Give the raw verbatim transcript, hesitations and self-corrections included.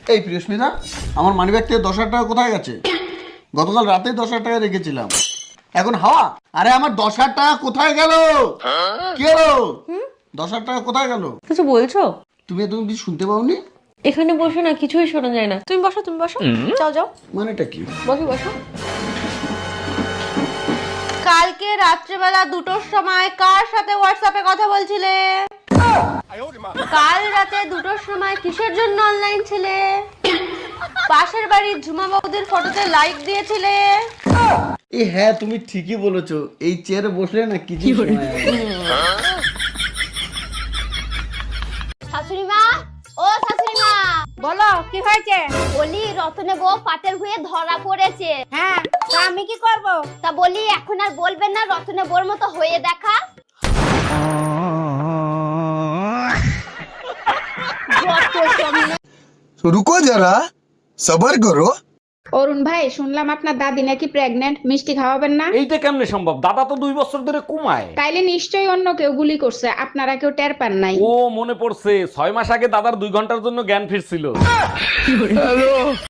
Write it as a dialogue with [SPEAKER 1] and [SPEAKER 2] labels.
[SPEAKER 1] এই প্রিয়স্মিতা, আমার মানিব্যাগ থেকে দশ হাজার টাকা কোথায় গেছে? গতকাল রাতে দশ হাজার টাকা রেখেছিলাম, এখন হাওয়া। আরে আমার দশ হাজার টাকা কোথায় গেল? কি হলো? দশ হাজার টাকা কোথায় গেল?
[SPEAKER 2] কিছু বলছো?
[SPEAKER 1] তুমি তুমি কিছু শুনতে পাওনি?
[SPEAKER 2] এখানে বসে না কিছুই শোনা যায় না। তুমি বসো, তুমি বসো, যাও যাও,
[SPEAKER 1] মানেটা কি?
[SPEAKER 2] বসো বসো। কালকে রাত্রেবেলা দুটোর সময় কার সাথে হোয়াটসঅ্যাপে কথা বলছিলে? কাল রাতে দুটোর সময় কিসের জন্য অনলাইন ছিলে? পাশের বাড়ির ঝুমা বৌদির ফটোতে লাইক দিয়েছিলে?
[SPEAKER 1] এই হ্যাঁ, তুমি ঠিকই বলেছো, এই চেয়ারে বসলে না কিছু সময় আগে।
[SPEAKER 3] শাশুড়ি মা, ও শাশুড়ি মা,
[SPEAKER 4] বলো কি হয়েছে?
[SPEAKER 3] বলি রতনে বউ পাটের ভুঁয়ে ধরা পড়েছে।
[SPEAKER 4] হ্যাঁ, তা আমি কি করব?
[SPEAKER 3] তা বলি এখন আর বলবেন না রতনে বউর মতো হয়ে দেখা?
[SPEAKER 5] रुको जरा सबर करो।
[SPEAKER 4] অরুণ ভাই, শুনলাম আপনার দাদি নাকি প্রেগন্যান্ট, মিষ্টি খাওয়াবেন না?
[SPEAKER 6] এইটা কেমনে সম্ভব? দাদা তো দুই বছর ধরে কমায়।
[SPEAKER 4] তাইলে নিশ্চয়ই অন্য কেউ গুলি করছে, আপনারা কেউ টের পান নাই।
[SPEAKER 6] ও মনে পড়ছে, ছয় মাস আগে দাদার দুই ঘন্টার জন্য জ্ঞান ফিরছিল।